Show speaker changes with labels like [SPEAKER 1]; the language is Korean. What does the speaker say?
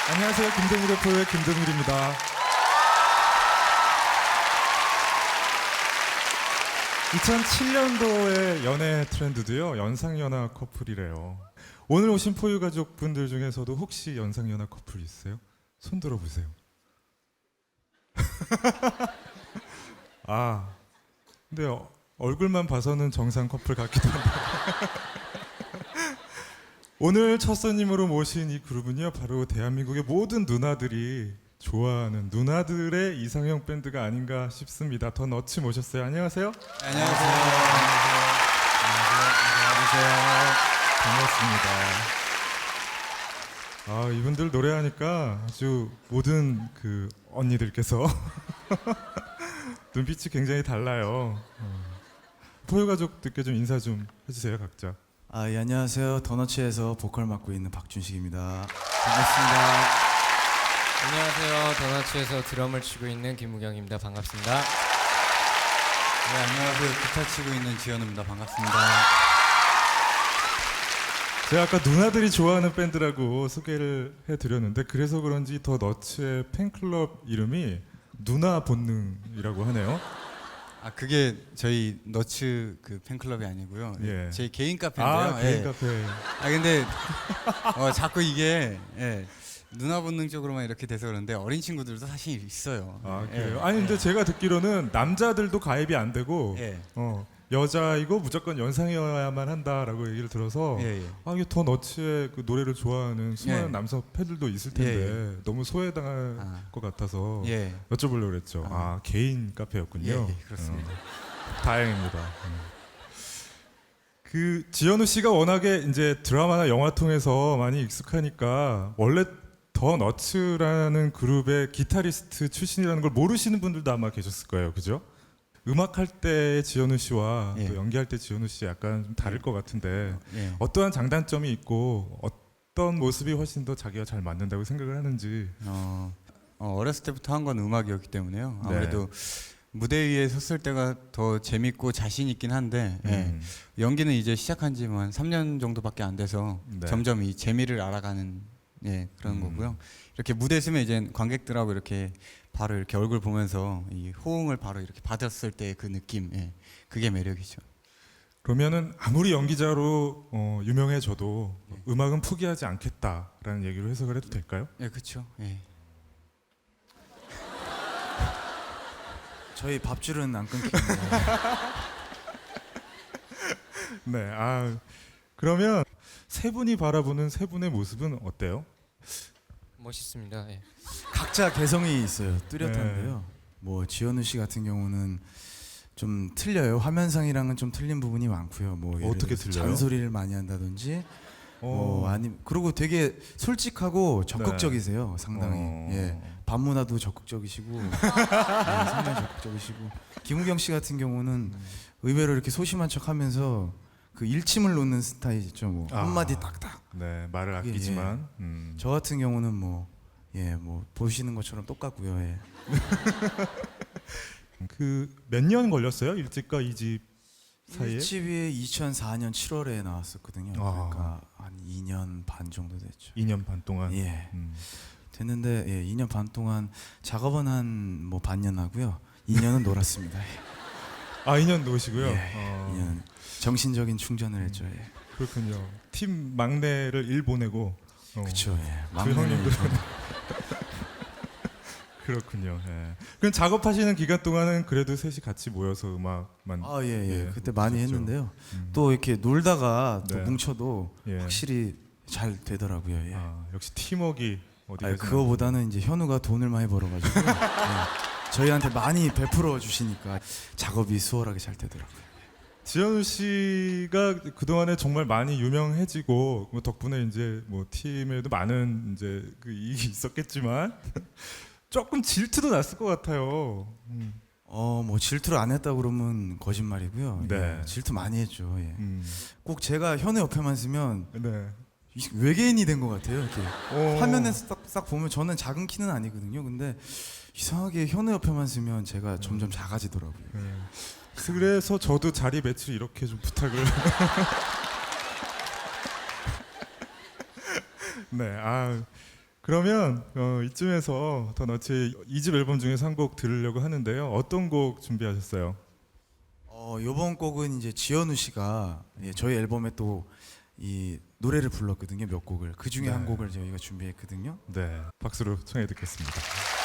[SPEAKER 1] 안녕하세요. 김동률 래퍼의 김동률입니다. 2007년도의 연애 트렌드도요, 연상연하 커플이래요. 오늘 오신 포유 가족분들 중에서도 혹시 연상연하 커플 있으세요? 손 들어보세요. 아, 근데 얼굴만 봐서는 정상 커플 같기도 한데. 오늘 첫 손님으로 모신 이 그룹은요, 바로 대한민국의 모든 누나들이 좋아하는 누나들의 이상형 밴드가 아닌가 싶습니다. 더 너츠 모셨어요. 안녕하세요.
[SPEAKER 2] 안녕하세요.
[SPEAKER 1] 반갑습니다. 아, 이분들 노래하니까 아주 모든 그 언니들께서 눈빛이 굉장히 달라요. 포유 가족들께 좀 인사 좀 해주세요, 각자.
[SPEAKER 2] 예, 안녕하세요. 더너츠에서 보컬 맡고 있는 박준식입니다. 반갑습니다.
[SPEAKER 3] 안녕하세요. 더너츠에서 드럼을 치고 있는 김무경입니다. 반갑습니다.
[SPEAKER 4] 네, 안녕하세요. 기타 치고 있는 지현우입니다. 반갑습니다.
[SPEAKER 1] 제가 아까 누나들이 좋아하는 밴드라고 소개를 해드렸는데, 그래서 그런지 더 너츠의 팬클럽 이름이 누나 본능이라고 하네요.
[SPEAKER 4] 그게 저희 너츠 그 팬클럽이 아니고요.
[SPEAKER 1] 예.
[SPEAKER 4] 제 개인 카페인데요.
[SPEAKER 1] 개인
[SPEAKER 4] 예.
[SPEAKER 1] 카페.
[SPEAKER 4] 근데 자꾸 이게 누나 본능 쪽으로만 이렇게 돼서 그런데 어린 친구들도 사실 있어요.
[SPEAKER 1] 그래요? 아니 근데 제가 듣기로는 남자들도 가입이 안 되고
[SPEAKER 4] 예.
[SPEAKER 1] 여자이고 무조건 연상이어야만 한다라고 얘기를 들어서
[SPEAKER 4] 예, 예.
[SPEAKER 1] 이게 더 너츠의 그 노래를 좋아하는 수많은
[SPEAKER 4] 예.
[SPEAKER 1] 남성 팬들도 있을 텐데 너무 소외당할 것 같아서
[SPEAKER 4] 예.
[SPEAKER 1] 여쭤보려고 그랬죠. 개인 카페였군요.
[SPEAKER 4] 예, 그렇습니다.
[SPEAKER 1] 다행입니다. 그 지현우 씨가 워낙에 이제 드라마나 영화 통해서 많이 익숙하니까 원래 더 너츠라는 그룹의 기타리스트 출신이라는 걸 모르시는 분들도 아마 계셨을 거예요, 그죠? 음악할 때 지현우 씨와
[SPEAKER 4] 예.
[SPEAKER 1] 또 연기할 때 지현우 씨 약간 좀 다를 것 같은데
[SPEAKER 4] 예.
[SPEAKER 1] 어떠한 장단점이 있고 어떤 모습이 훨씬 더 자기가 잘 맞는다고 생각을 하는지.
[SPEAKER 4] 어렸을 때부터 한 건 음악이었기 때문에요.
[SPEAKER 1] 네.
[SPEAKER 4] 아무래도 무대 위에 섰을 때가 더 재밌고 자신 있긴 한데 연기는 이제 시작한 지 한 3년 정도밖에 안 돼서
[SPEAKER 1] 네.
[SPEAKER 4] 점점 이 재미를 알아가는 그런 거고요. 이렇게 무대 서면 이제 관객들하고 이렇게 바로 이렇게 얼굴 보면서 이 호응을 바로 이렇게 받았을 때 그 느낌, 그게 매력이죠.
[SPEAKER 1] 그러면은 아무리 연기자로 유명해져도 음악은 포기하지 않겠다라는 얘기로 해석을 해도 될까요?
[SPEAKER 4] 예, 그렇죠. 예.
[SPEAKER 2] 저희 밥줄은 안 끊깁니다.
[SPEAKER 1] 네. 그러면 세 분이 바라보는 세 분의 모습은 어때요?
[SPEAKER 3] 멋있습니다. 예.
[SPEAKER 2] 각자 개성이 있어요. 뚜렷한데요. 뭐 지현우 씨 같은 경우는 좀 틀려요. 화면상이랑은 좀 틀린 부분이 많고요. 뭐 예를
[SPEAKER 1] 어떻게
[SPEAKER 2] 들어서
[SPEAKER 1] 틀려요?
[SPEAKER 2] 잔소리를 많이 한다든지 그리고 되게 솔직하고 적극적이세요. 상당히. 예. 반문화도 적극적이시고 상당히 적극적이시고 김우경 씨 같은 경우는 의외로 이렇게 소심한 척하면서 그 일침을 놓는 스타일이죠. 뭐 한마디 딱딱.
[SPEAKER 1] 네, 말을 아끼지만
[SPEAKER 2] 저 같은 경우는 뭐 보시는 것처럼 똑같고요. 예.
[SPEAKER 1] 그 몇 년 걸렸어요? 1집과 2집 사이에?
[SPEAKER 2] 1집이 2004년 7월에 나왔었거든요. 그러니까 한 2년 반 정도 됐죠.
[SPEAKER 1] 2년 반 동안.
[SPEAKER 2] 예. 됐는데 2년 반 동안 작업은 한 뭐 반년 하고요. 2년은 놀았습니다.
[SPEAKER 1] 2년 노시고요.
[SPEAKER 2] 2년 정신적인 충전을 했죠. 예.
[SPEAKER 1] 그렇군요. 팀 막내를 일 보내고.
[SPEAKER 2] 그렇죠. 예.
[SPEAKER 1] 그
[SPEAKER 2] 막내는
[SPEAKER 1] 형님들은 그렇군요. 예. 그럼 작업하시는 기간 동안은 그래도 셋이 같이 모여서 음악만.
[SPEAKER 2] 예. 그때 많이
[SPEAKER 1] 하셨죠.
[SPEAKER 2] 했는데요. 또 이렇게 놀다가 또
[SPEAKER 1] 네.
[SPEAKER 2] 뭉쳐도
[SPEAKER 1] 예.
[SPEAKER 2] 확실히 잘 되더라고요. 예.
[SPEAKER 1] 역시 팀워크가 어디
[SPEAKER 2] 그거보다는 이제 현우가 돈을 많이 벌어가지고 저희한테 많이 베풀어 주시니까 작업이 수월하게 잘 되더라고요.
[SPEAKER 1] 지현우 씨가 그 동안에 정말 많이 유명해지고 뭐 덕분에 이제 뭐 팀에도 많은 이제 그 이익이 있었겠지만 조금 질투도 났을 것 같아요.
[SPEAKER 2] 뭐 질투를 안 했다 그러면 거짓말이고요.
[SPEAKER 1] 네.
[SPEAKER 2] 질투 많이 했죠. 예. 꼭 제가 현우 옆에만 쓰면
[SPEAKER 1] 네.
[SPEAKER 2] 외계인이 된 것 같아요. 이렇게
[SPEAKER 1] 오.
[SPEAKER 2] 화면에서 딱 보면 저는 작은 키는 아니거든요. 근데 이상하게 현우 옆에만 쓰면 제가 점점 작아지더라고요.
[SPEAKER 1] 그래서 저도 자리 배치를 이렇게 좀 부탁을. 네, 그러면 이쯤에서 더 너츠의 2집 앨범 중에서 한 곡 들으려고 하는데요. 어떤 곡 준비하셨어요?
[SPEAKER 2] 요번 곡은 이제 지현우 씨가 저희 앨범에 또 이 노래를 불렀거든요. 몇 곡을. 그 중에
[SPEAKER 1] 네.
[SPEAKER 2] 한 곡을 저희가 준비했거든요.
[SPEAKER 1] 네, 박수로 청해 듣겠습니다.